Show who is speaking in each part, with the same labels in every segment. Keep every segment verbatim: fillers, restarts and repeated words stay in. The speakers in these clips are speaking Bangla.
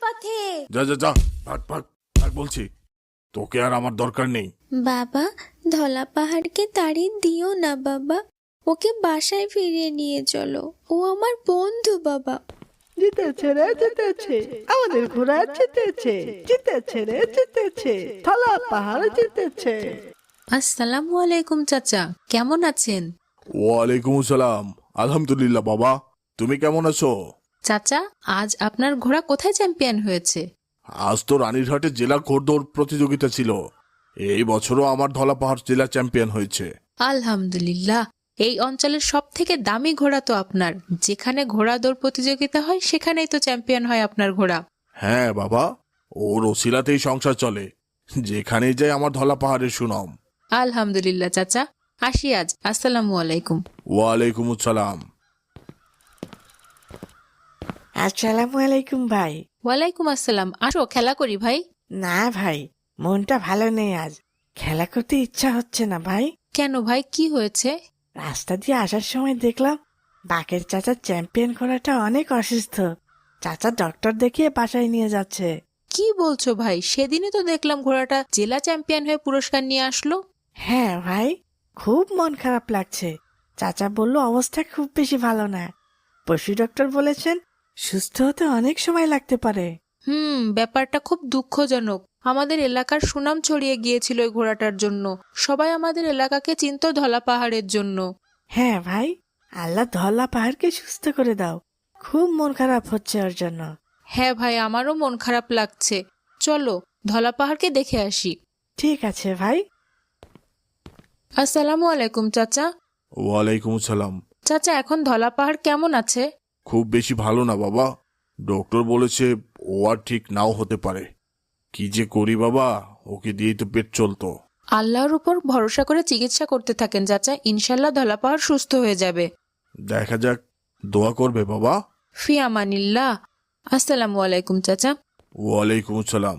Speaker 1: পথে।
Speaker 2: যা যা যা, ভাগ ভাগ ভাগ বলছি, তোকে আর আমার দরকার নেই।
Speaker 1: বাবা, ধলা পাহাড়কে তাড়িয়ে দিও না বাবা, ওকে বাসায় ফিরিয়ে নিয়ে চলো, ও আমার বন্ধু বাবা।
Speaker 3: জিতেছে রে জিতেছে, আমাদের ঘোড়া জিতেছে, জিতেছে রে জিতেছে, ধলা পাহাড় জিতেছে।
Speaker 4: আসসালামু আলাইকুম চাচা, কেমন আছেন?
Speaker 2: ওয়ালাইকুম আসসালাম। আলহামদুলিল্লাহ বাবা, তুমি কেমন আছো?
Speaker 4: চাচা, আজ আপনার ঘোড়া কোথায় চ্যাম্পিয়ন হয়েছে?
Speaker 2: আজ তো রানীরহাটে জেলা ঘোড়দৌড় প্রতিযোগিতা ছিল। এই বছরও আমার ধলা পাহাড় জেলা চ্যাম্পিয়ন হয়েছে।
Speaker 4: আলহামদুলিল্লাহ। এই অঞ্চলের সব থেকে দামি ঘোড়া তো আপনার, যেখানে ঘোড়া দৌড় প্রতিযোগিতা হয় সেখানেই তো চ্যাম্পিয়ন হয় আপনার ঘোড়া।
Speaker 2: হ্যাঁ বাবা, ওর ওসিলাতেই সংসার চলে, যেখানেই যায় আমার ধলা পাহাড়ের সুনাম।
Speaker 4: আলহামদুলিল্লাহ চাচা, আসি আজ। আসসালামু আলাইকুম।
Speaker 2: ওয়ালাইকুম আসসালাম।
Speaker 3: আসসালামু আলাইকুম ভাই।
Speaker 4: ওয়ালাইকুম আসসালাম, আসো খেলা করি ভাই।
Speaker 3: না ভাই, মনটা ভালো নেই আজ, খেলা করতে ইচ্ছা হচ্ছে না ভাই।
Speaker 4: কেন ভাই, কি হয়েছে?
Speaker 3: রাস্তা দিয়ে আসার সময় দেখলাম বাকের চাচার চ্যাম্পিয়ন ঘোড়াটা অনেক অসুস্থ, চাচা ডক্টর দেখিয়ে বাসায় নিয়ে যাচ্ছে।
Speaker 4: কি বলছো ভাই, সেদিনই তো দেখলাম ঘোড়াটা জেলা চ্যাম্পিয়ন হয়ে পুরস্কার নিয়ে আসলো।
Speaker 3: হ্যাঁ ভাই, খুব মন খারাপ লাগছে। চাচা বলল অবস্থা খুব বেশি ভালো না, পশু ডক্টর বলেছেন সুস্থ হতে অনেক সময় লাগতে পারে।
Speaker 4: হুম, ব্যাপারটা খুব দুঃখজনক। আমাদের এলাকার সুনাম ছড়িয়ে গিয়েছিল ওই ঘোড়াটার জন্য, সবাই আমাদের এলাকাকে চিনত ধলা পাহাড়ের জন্য।
Speaker 3: হ্যাঁ ভাই, আল্লাহ ধলা পাহাড়কে সুস্থ করে দাও, খুব মন খারাপ হচ্ছে ওর জন্য।
Speaker 4: হ্যাঁ ভাই, আমারও মন খারাপ লাগছে, চলো ধলা পাহাড়কে দেখে আসি।
Speaker 3: ঠিক আছে ভাই।
Speaker 4: আসসালামু আলাইকুম চাচা।
Speaker 2: ওয়ালাইকুম আসসালাম।
Speaker 4: চাচা, এখন ধলা পাহাড় কেমন আছে?
Speaker 2: খুব বেশি ভালো না বাবা, ডক্টর বলেছে ও আর ঠিক নাও হতে পারে। কি যে করি বাবা, ওকে দিয়েই তো পেট চলতো।
Speaker 4: আল্লাহর উপর ভরসা করে চিকিৎসা করতে থাকেন চাচা, ইনশাল্লাহ ধলা পাহাড় সুস্থ হয়ে যাবে।
Speaker 2: দেখা যাক, দোয়া করবে বাবা।
Speaker 4: ফি আমানিল্লাহ। আসসালামু আলাইকুম চাচা।
Speaker 2: ওয়ালাইকুম আসসালাম।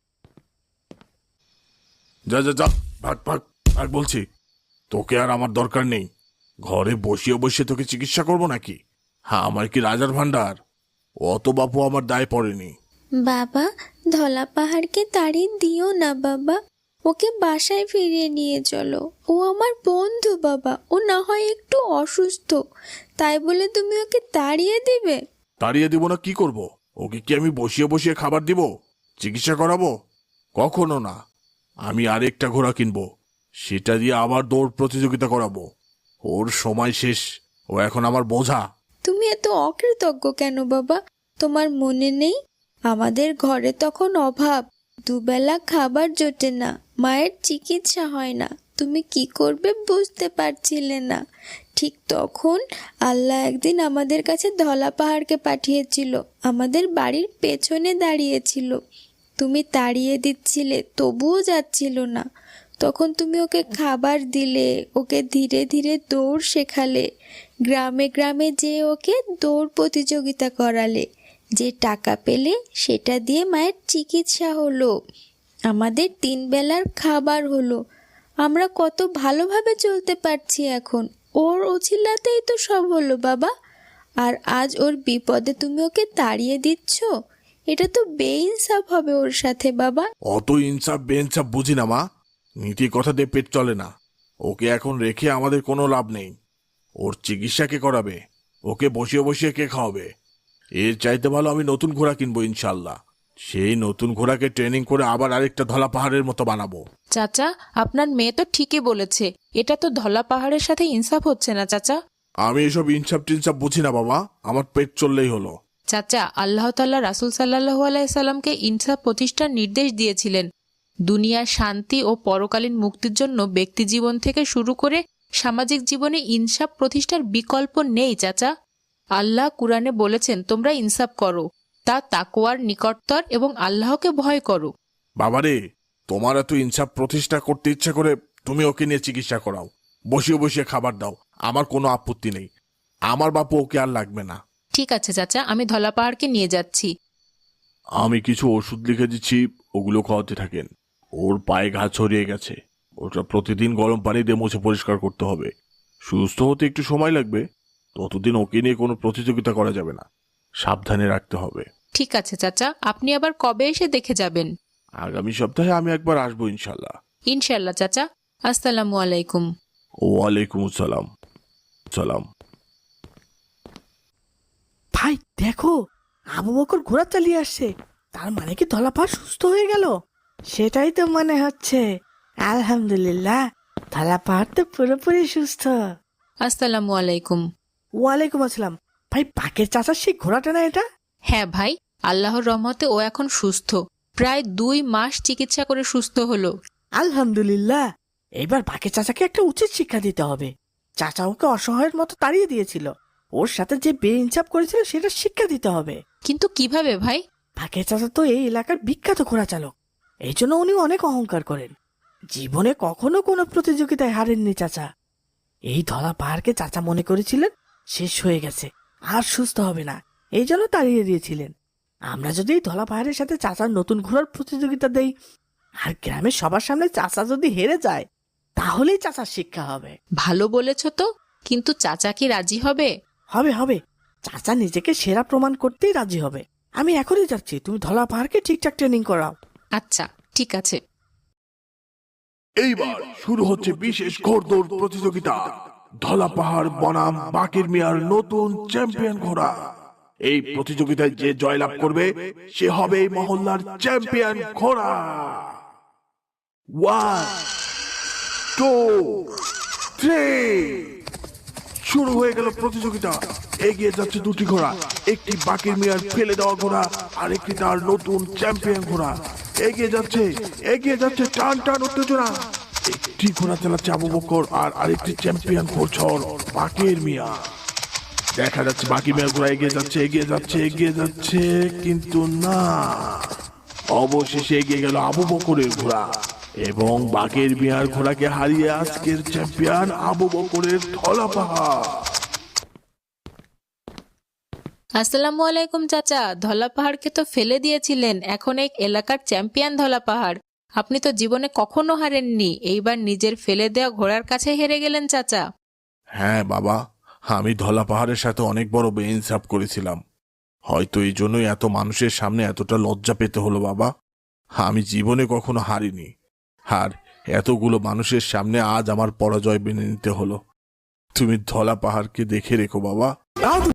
Speaker 2: যা যা যা, ভাগ ভাগ ভাগ বলছি, তোকে আর আমার দরকার নেই। ঘরে বসিয়ে বসিয়ে তোকে চিকিৎসা করবো নাকি? হ্যাঁ, আমার কি রাজার ভান্ডার? অত বাপু আমার দায় পড়েনি।
Speaker 1: বাবা, ধলা পাহাড়কে তাড়িয়ে দিও না বাবা, ওকে বাসায় ফিরিয়ে নিয়ে চলো, ও আমার বন্ধু বাবা, ও না হয় একটু অসুস্থ, তাই বলে তুমি ওকে তাড়িয়ে দিবে?
Speaker 2: তাড়িয়ে দিব না, কি করব? ওকে কি আমি বসিয়ে বসিয়ে খাবার দিব, চিকিৎসা করাবো? কখনো না। আমি আরেকটা ঘোড়া কিনবো, সেটা দিয়ে আবার দৌড় প্রতিযোগিতা করাবো। ওর সময় শেষ, ও এখন আমার বোঝা।
Speaker 1: তুমি এত অকৃতজ্ঞ কেন বাবা? তোমার মনে নেই আমাদের ঘরে তখন অভাব, দুবেলা খাবার জোটে না, মায়ের চিকিৎসা হয় না, তুমি কি করবে বুঝতে পারছিলে না। ঠিক তখন আল্লাহ একদিন আমাদের কাছে ধলা পাহাড়কে পাঠিয়েছিল, আমাদের বাড়ির পেছনে দাঁড়িয়েছিল, তুমি তাড়িয়ে দিচ্ছিলে তবুও যাচ্ছিল না। তখন তুমি ওকে খাবার দিলে, ওকে ধীরে ধীরে দৌড় শেখালে, গ্রামে গ্রামে যেয়ে ওকে দৌড় প্রতিযোগিতা করালে, যে টাকা পেলে সেটা দিয়ে মায়ের চিকিৎসা হলো, আমাদের তিন বেলার খাবার হলো, আমরা কত ভালোভাবে চলতে পারছি এখন, ওর ওছিলাতেই তো সব হলো বাবা। আর আজ ওর বিপদে তুমি ওকে তাড়িয়ে দিচ্ছ, এটা তো বেইনসাফ হবে ওর সাথে বাবা।
Speaker 2: অত ইনসাফ বেইনসাফ বুঝি না মা, নীতি কথা দিয়ে পেট চলে না। ওকে এখন রেখে আমাদের কোনো লাভ নেই। ওর চিকিৎসা কে করাবে? ওকে বসিয়ে বসিয়ে কে খাওয়াবে? এর চাইতে ভালো আমি নতুন ঘোড়া কিনবো ইনশাল্লাহ। সেই নতুন ঘোড়াকে ট্রেনিং করে আবার আরেকটা ধলা পাহাড়ের মতো বানাবো।
Speaker 4: চাচা, আপনার মেয়ে তো ঠিকই বলেছে, এটা তো ধলা পাহাড়ের সাথে ইনসাফ হচ্ছে না চাচা।
Speaker 2: আমি এসব ইনসাফ টিনসাফ বুঝি না বাবা, আমার পেট চললেই হলো।
Speaker 4: চাচা, আল্লাহ তাআলা রাসূল সাল্লাল্লাহু আলাইহি সাল্লামকে ইনসাফ প্রতিষ্ঠার নির্দেশ দিয়েছিলেন। দুনিয়ার শান্তি ও পরকালীন মুক্তির জন্য ব্যক্তি জীবন থেকে শুরু করে সামাজিক জীবনে ইনসাফ প্রতিষ্ঠার বিকল্প নেই চাচা। আল্লাহ কুরআনে বলেছেন, তোমরা ইনসাফ করো, তা তাকওয়ার নিকটতর এবং আল্লাহকে ভয় করো।
Speaker 2: বাবারে, তোমার এত ইনসাফ প্রতিষ্ঠা করতে ইচ্ছা করে তুমি ওকে নিয়ে চিকিৎসা করাও, বসিয়ে বসিয়ে খাবার দাও, আমার কোনো আপত্তি নেই। আমার বাপু ওকে আর লাগবে না।
Speaker 4: ঠিক আছে চাচা, আমি ধলা পাহাড়কে নিয়ে যাচ্ছি।
Speaker 2: আমি কিছু ওষুধ লিখে দিচ্ছি, ওগুলো খাওয়াতে থাকেন। ওর পায়ে ঘা ছড়িয়ে গেছে, ওটা প্রতিদিন গরম পানি দিয়ে মুছে পরিষ্কার করতে হবে। সুস্থ হতে একটু সময় লাগবে, ততদিন ওকে নিয়ে কোনো প্রতিযোগিতা করা যাবে না, সাবধানে রাখতে হবে।
Speaker 4: ঠিক আছে চাচা, আপনি আবার কবে এসে দেখে যাবেন?
Speaker 2: আগামী সপ্তাহে আমি একবার আসবো ইনশাল্লাহ।
Speaker 4: ইনশাল্লাহ চাচা। আসসালামু আলাইকুম।
Speaker 2: ওয়ালাইকুম আসসালাম। সালাম।
Speaker 3: ভাই দেখো, আবু বকর ঘোড়া চালিয়ে আসছে। তার মানে কি ধলা পাহাড় সুস্থ হয়ে গেল? সেটাই তো মনে হচ্ছে। আলহামদুলিল্লাহ, ধলা পাহাড় তো পুরোপুরি সুস্থ।
Speaker 4: আসসালামু আলাইকুম।
Speaker 3: ওয়ালাইকুম আসসালাম। ভাই পাকের চাচার সেই ঘোড়াটা না এটা?
Speaker 4: হ্যাঁ ভাই, আল্লাহর রহমতে ও এখন সুস্থ। প্রায় দুই মাস চিকিৎসা করে সুস্থ হলো।
Speaker 3: আলহামদুলিল্লাহ। এবার পাকের চাচাকে একটা উচিত শিক্ষা দিতে হবে। চাচা ওকে অসহায়ের মতো তাড়িয়ে দিয়েছিল, ওর সাথে যে বেইনসাফ করেছিল সেটা শিক্ষা দিতে হবে।
Speaker 4: কিন্তু কিভাবে ভাই?
Speaker 3: পাকের চাচা তো এই এলাকার বিখ্যাত ঘোড়া চালক, এই জন্য উনি অনেক অহংকার করেন। জীবনে কখনো কোনো প্রতিযোগিতায় হারেননি চাচা। এই ধলা পাহাড়কে চাচা মনে করেছিলেন শেষ হয়ে গেছে, আর সুস্থ হবে না, এই জন্য তাড়িয়ে দিয়েছিলেন। আমরা যদি এই ধলা পাহাড়ের সাথে চাচার নতুন ঘোড়ার প্রতিযোগিতা দেই, আর গ্রামের সবার সামনে চাচা যদি হেরে যায়, তাহলেই চাচার শিক্ষা হবে।
Speaker 4: ভালো বলেছ তো, কিন্তু চাচা কি রাজি হবে?
Speaker 3: হবে হবে, চাচা নিজেকে সেরা প্রমাণ করতেই রাজি হবে। আমি এখনই যাচ্ছি, তুমি ধলা পাহাড়কে ঠিকঠাক ট্রেনিং করাও।
Speaker 4: আচ্ছা ঠিক আছে।
Speaker 2: এইবার শুরু হচ্ছে বিশেষ ঘোড়দৌড় প্রতিযোগিতা। ধলা পাহাড় বনাম বাকের মিয়ার নতুন চ্যাম্পিয়ন ঘোড়া। এই প্রতিযোগিতায় যে জয়লাভ করবে সে হবে এই মহল্লার চ্যাম্পিয়ন ঘোড়া। ওয়ান টু থ্রি, শুরু হয়ে গেল প্রতিযোগিতা। এগিয়ে যাচ্ছে দুটি ঘোড়া, একটি বাকের মিয়ার ফেলে দেওয়া ঘোড়া আর একটি তার নতুন চ্যাম্পিয়ন ঘোড়া। এগিয়ে যাচ্ছে এগিয়ে যাচ্ছে টান টান উত্তেজনা। একটি ঘোড়া চালাচ্ছে আবু বকর আর আরেকটি চ্যাম্পিয়ন ঘোড়ছর বাকের মিয়া। দেখা যাচ্ছে বাকি মিয়ার ঘোড়া এগিয়ে যাচ্ছে এগিয়ে যাচ্ছে এগিয়ে যাচ্ছে, কিন্তু না, অবশেষে এগিয়ে গেল আবু বকরের ঘোড়া এবং বাকের মিয়ার ঘোড়াকে হারিয়ে আজকের চ্যাম্পিয়ন আবু বকরের ধলা পাহাড়।
Speaker 4: আসসালামু আলাইকুম চাচা, ধলা পাহাড়কে তো ফেলে দিয়েছিলেন, এখন এই এলাকার চ্যাম্পিয়ন ধলা পাহাড়। আপনি তো জীবনে কখনো হারেননি, এইবার নিজের ফেলে দেওয়া ঘোড়ার কাছে হেরে গেলেন চাচা।
Speaker 2: হ্যাঁ বাবা, আমি ধলা পাহাড়ের সাথে অনেক বড় বেইনসাফ করেছিলাম। হয়তো এই জন্যই এত মানুষের সামনে এতটা লজ্জা পেতে হলো বাবা। আমি জীবনে কখনো হারিনি, আর এতগুলো মানুষের সামনে আজ আমার পরাজয় মেনে নিতে হলো। তুমি ধলা পাহাড়কে দেখে রেখো বাবা।